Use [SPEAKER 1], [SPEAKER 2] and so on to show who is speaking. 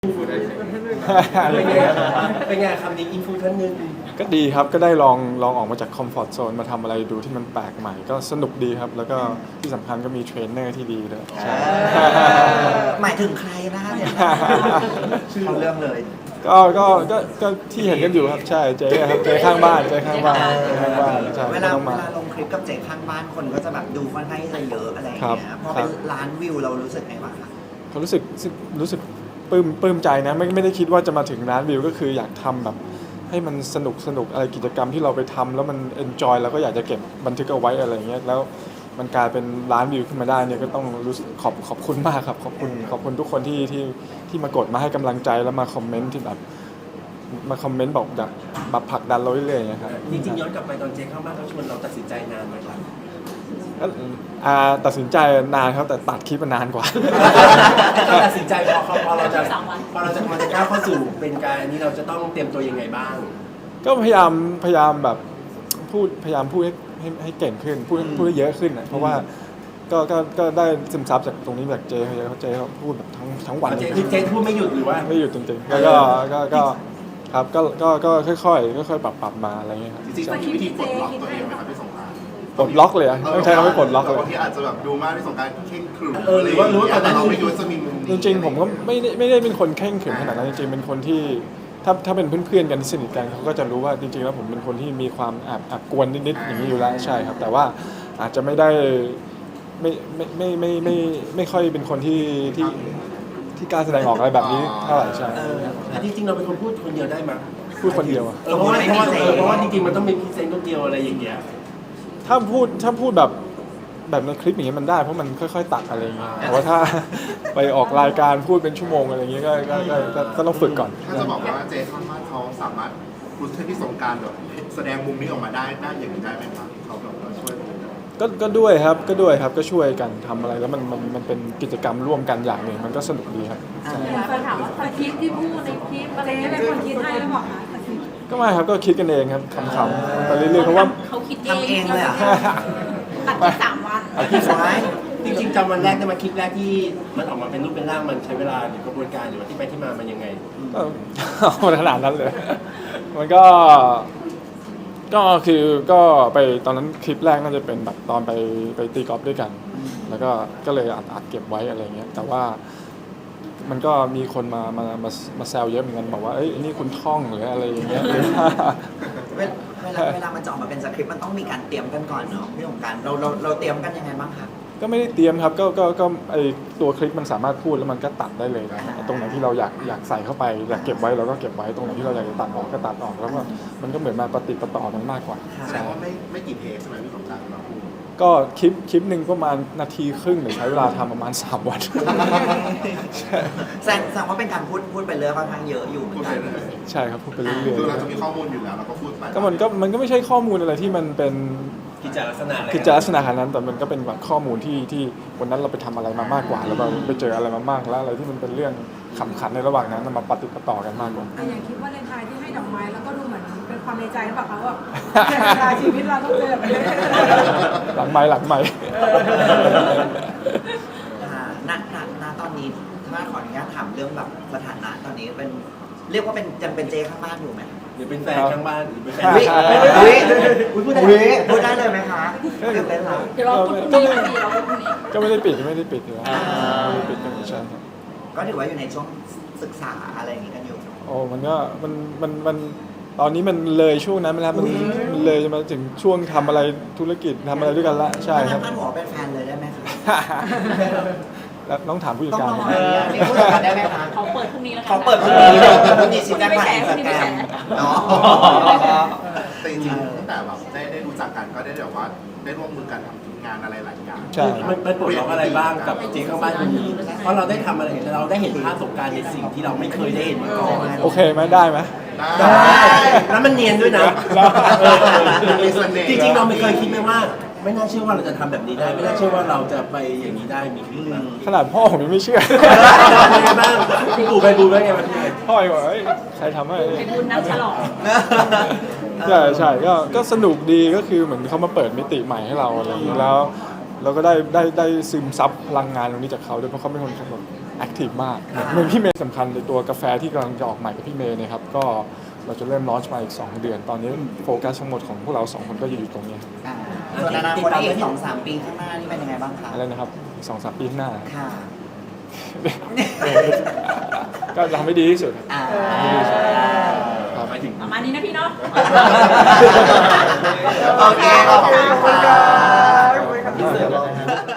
[SPEAKER 1] เป็นไงคำนี้อินฟูท่านหนึ่ง
[SPEAKER 2] ก็ดีครับก็ได้ลองออกมาจากคอมฟอร์ทโซนมาทำอะไรดูที่มันแปลกใหม่ก็สนุกดีครับแล้วก็ที่สำคัญก็มีเทรนเนอร์ที่ดีด้วยใช่
[SPEAKER 3] หมายถึงใครนะคะเนี่ยชื่อเรื่องเลย
[SPEAKER 2] ก็ที่เห็นกันอยู่ครับใช่เจ๊ครับเจ๊ข้างบ้านเจ๊ข้างบ้านใช่
[SPEAKER 3] เว
[SPEAKER 2] ไม่
[SPEAKER 3] ลา
[SPEAKER 2] ต้องมา
[SPEAKER 3] ลงคลิปกับเจ๊ข้างบ้านคนก็จะแบบดูค่อนข้างที่จะเยอะอะไรอย่างเงี้ยพอเป็นล้านวิวเรารู้สึกไงบ้างคะ
[SPEAKER 2] เขารู้สึกปลื้มใจนะไม่ได้คิดว่าจะมาถึงล้านวิวก็คืออยากทำแบบให้มันสนุกอะไรกิจกรรมที่เราไปทำแล้วมันเอนจอยแล้วก็อยากจะเก็บบันทึกเอาไว้อะไรเงี้ยแล้วมันกลายเป็นล้านวิวขึ้นมาได้เนี่ยก็ต้องรู้สึกขอบคุณมากครับขอบคุณทุกคนที่มากดมาให้กำลังใจแล้วมาคอมเมนต์ที่แบบมาคอมเมนต์บอกอยากมาผลักดันเราเรื่อยๆนะครับ
[SPEAKER 1] จริงๆย้อนกลับไปตอนเจ๊ข้างบ้านเขาชวนเราตัดสินใจนานไหมครับ
[SPEAKER 2] ตัดสินใจนานครับแต่ตัดคลิปมันนานกว่า
[SPEAKER 1] ตัดสินใจพอเราจะก้าวเข้าสู่เป็นการนี้เราจะต้องเตรียมตัวยังไงบ้าง
[SPEAKER 2] ก็พยายามแบบพยายามพูดให้เก่งขึ้นพูดให้เยอะขึ้นนะเพราะว่าก็ได้ซึมซับจากตรงนี้จากเจเขาพูดแบบทั้งวัน
[SPEAKER 1] เจพูดไม่หยุดหรือว่า
[SPEAKER 2] ไม่หยุดจริงๆก็ครับก็ค่อยๆปรับมาอะไรเงี้ยครับ
[SPEAKER 4] จริงๆมีวิธีปลดล็อกตัวเองไหมครับพี่สงกรานต์
[SPEAKER 2] ปลดล็อกเลยต้องใช้คำว่าปลดล็อกเลย
[SPEAKER 4] บางทีอาจจะแบบดูมากพี่สงกรานต์เข่งขรึม
[SPEAKER 1] หรือว่า
[SPEAKER 4] แต่เราไม่รู้จะมีมุม
[SPEAKER 2] จริงๆผมก็ไม่ได้เป็นคนเข่งขรึมขนาดนั้นจริงๆเป็นคนที่ถ้าเป็นเพื่อนๆกันที่สนิทกันเขาก็จะรู้ว่าจริงๆแล้วผมเป็นคนที่มีความแอบกวนนิดๆอย่างนี้อยู่แล้วใช่ครับแต่ว่าอาจจะไม่ได้ไม่ค่อยเป็นคนที่กล้าแสดงออกอะไรแบบนี้เท่าไหร่ใช่
[SPEAKER 1] จริงๆเราเป็นคนพูดคนเดียวได้ไหม
[SPEAKER 2] พูดคนเดียวอะ
[SPEAKER 1] เพราะว่าจริงๆมันต้องมีพรีเซนต์คนเดียวอะไรอย่างเงี้ย
[SPEAKER 2] ถ้าพูดแบบในคลิปอย่างเงี้ยมันได้เพราะมันค่อยๆตัดอะไรอย่างเงี้ยแต่ว่าถ้าไปออกรายการพูดเป็นชั่วโมงอะไรอย่างเงี้ยก็ต้องฝึกก่อน
[SPEAKER 4] ถ้าจะบอกว่าเจข้างบ้านเขาสามารถพูดให้พี่สงกรานต์แบบแสดงมุมนี้ออกมาได้อย่างนี้ได้ไหมครับเขาแบบว่าช่วย
[SPEAKER 2] ก็ด้วยครับก็ช่วยกันทำอะไรแล้วมันเป็นกิจกรรมร่วมกันอย่างหนึ่งมันก็สนุกดีครับ
[SPEAKER 5] เคยถามว่าคลิปที่พูดในคลิปอะไรนี่เป็นคนคิดให้หรือเปล่าคะ
[SPEAKER 2] ก็ไม่ครับก็คิดกันเองครับขำๆไปเรื่อยๆเพราะว่า
[SPEAKER 5] เขาคิด
[SPEAKER 3] ทำเองเลยอ่ะ
[SPEAKER 5] ตัดที่3 วัน
[SPEAKER 1] จริงๆจำวันแรกได้มาคลิปแรกที่มันออกมาเป็นรูปเป็นร่างมันใช้เวลาหรือกระบวนการหรือว่าที่ไปที่มามันยังไง
[SPEAKER 2] ขนาดนั้นเลยมันก็คือก็ไปตอนนั้นคลิปแรกน่าจะเป็นแบบตอนไปตีกอล์ฟด้วยกันแล้วก็เลยอัดเก็บไว้อะไรเงี้ยแต่ว่ามันก็มีคนมาแซวเยอะเหมือนกันบอกว่าเอ้ยนี่คุณท่องหรืออะไรอย่างเงี้ย
[SPEAKER 3] เวลามันจะออกมาเป็นสคริปต์มันต้องมีการเตรียมกันก่อนเนาะพี่สงกรานต์เราเตรียมกันยังไงบ้างคะ
[SPEAKER 2] ก็ไม่ได้เตรียมครับก็ไอตัวคลิปมันสามารถพูดแล้วมันก็ตัดได้เลยนะตรงไหนที่เราอยากใส่เข้าไปอยากเก็บไว้เราก็เก็บไว้ตรงไหนที่เราอยากจะตัดออกก็ตัดออกแล้วมันก็เหมือนมาปฏิปต่อกันมากกว่า
[SPEAKER 4] แสดงว่าไม่กี่เทปใช่ไหมพี่สงกรานต์เรา
[SPEAKER 2] ก็คลิปหนึ่งประมาณนาทีครึ่งหรือใช้เวลาทำประมาณ3 วัน
[SPEAKER 3] แสดงว่าเป็นการพูดไปเรื่อยค่อนข้างเยอะอยู่เหมือนกัน
[SPEAKER 2] ใช่ครับพูดไปเรื่อยๆ
[SPEAKER 4] คือเราจะมีข้อมูลอยู่แล้วเราก็พูดไป
[SPEAKER 2] ก็มันก็ไม่ใช่ข้อมูลอะไรที่มันเป็น
[SPEAKER 1] กิจลักษณะ
[SPEAKER 2] ขนาดนั้นแต่มันก็เป็นแบบข้อมูลที่วันนั้นเราไปทำอะไรมามากกว่าแล้วเราไปเจออะไรมามากแล้วอะไรที่มันเป็นเรื่องขำขันในระหว่างนั้นมาปฏิปต่อกันมากกว่า
[SPEAKER 5] อย่างคิดว่าในไทยที่ให้ดอกไม้แล้วก็ดูเหมือนเป็นความในใจหรือเปล่าคะว่าชีวิตเราต้องเจอแบบนี้
[SPEAKER 2] หลังไม้
[SPEAKER 3] ณตอนนี้ถ้าขออนุญาตถามเรื่องแบบสถานะตอนนี้เป็นเรียกว่าเป็นยังเป็นเจข้างบ้านอยู่ไหม
[SPEAKER 1] หรือเป็นแฟนข้างบ้านหรือเป็นแฟน
[SPEAKER 3] พูดได้เลยไหมคะตื่นเต้นเหรอ
[SPEAKER 2] ก็ไม่ได้ปิดอยู่แล้วไม่ได้ปิดกันใช่ครับ
[SPEAKER 3] ก็ถือว่าอยู่ในช่วงศึกษาอะไรอย่างนี้กันอยู่
[SPEAKER 2] โอ้มันก็มันตอนนี้มันเลยช่วงนั้นมาแล้วมันเลยมาถึงช่วงทำอะไรธุรกิจทำอะไรด้วยกันละใช่ครับ
[SPEAKER 3] ท่านหมอเป็นแฟนเลยได้ไหมคะ
[SPEAKER 2] แล้วน้องถามผู้จัดการ
[SPEAKER 3] นี่ผู้จัดการได้ไหมคะ
[SPEAKER 5] เขาเปิดพรุ่งนี้แล้ว
[SPEAKER 3] เขาเปิดพรุ่งนี้ชี้แจงผ่านอินสตาแกรมเนาะ
[SPEAKER 4] แต่จริงๆตั้งแต่แบบได้รู้จักกันก็ได้แบบว่าได้ร่วมมือกันทำงานอะไรหลายอย่าง
[SPEAKER 2] ใช่
[SPEAKER 1] มันปลดล็อกอะไรบ้างกับเจ๊ข้างบ้านคนนี้เพราะเราได้ทำอะไรเราได้เห็นประสบการณ์ในสิ่งที่เราไม่เคยได้เห็นมาก่อน
[SPEAKER 2] โอเคไหมได้ไหม
[SPEAKER 1] ได้แล้วมันเนียนด้วยนะจริงๆเราไม่เคยคิดไหมว่าไม่น่าเชื่อว่าเราจะทำแบบนี้ได้ไม่น่าเชื่อว่าเราจะไปอย่างนี้ได้มีขึ้น
[SPEAKER 2] ขนาดพ่อผมยังไม่เชื่อ
[SPEAKER 1] เป็นไงบ้างคุณปู่ไปบูไว้ไงมัน
[SPEAKER 2] พ่อบอกใครทำให้
[SPEAKER 5] ไปบุญนักฉลอง
[SPEAKER 2] ใช่ก็สนุกดีก็คือเหมือนเขามาเปิดมิติใหม่ให้เราอะไรอย่างนี้แล้วเราก็ได้ซึมซับพลังงานตรงนี้จากเขาด้วยเพราะเขาเป็นคนแบบแอคทีฟมากเหมือนพี่เมย์สำคัญในตัวกาแฟที่กำลังจะออกใหม่กับพี่เมย์เนี่ยครับก็เราจะเริ่มลอนช์มาอีก 2 เดือน ตอนนี้โฟกัสทั้งหมดของพวกเรา 2 คนก็จะอยู่ตรงนี้
[SPEAKER 3] ส่วนอนาคตอีก2-3 ปีข้างหน้านี่เป็นยังไงบ้างคะ
[SPEAKER 2] อะไรนะครับอีก2-3 ปีข้างหน้า
[SPEAKER 3] ค่ะ
[SPEAKER 2] ก็จะทำให้ดีที่สุดครับ ครับ
[SPEAKER 5] ประมาณนี้นะพี่เนาะ
[SPEAKER 3] โอเคขอบคุณค่ะ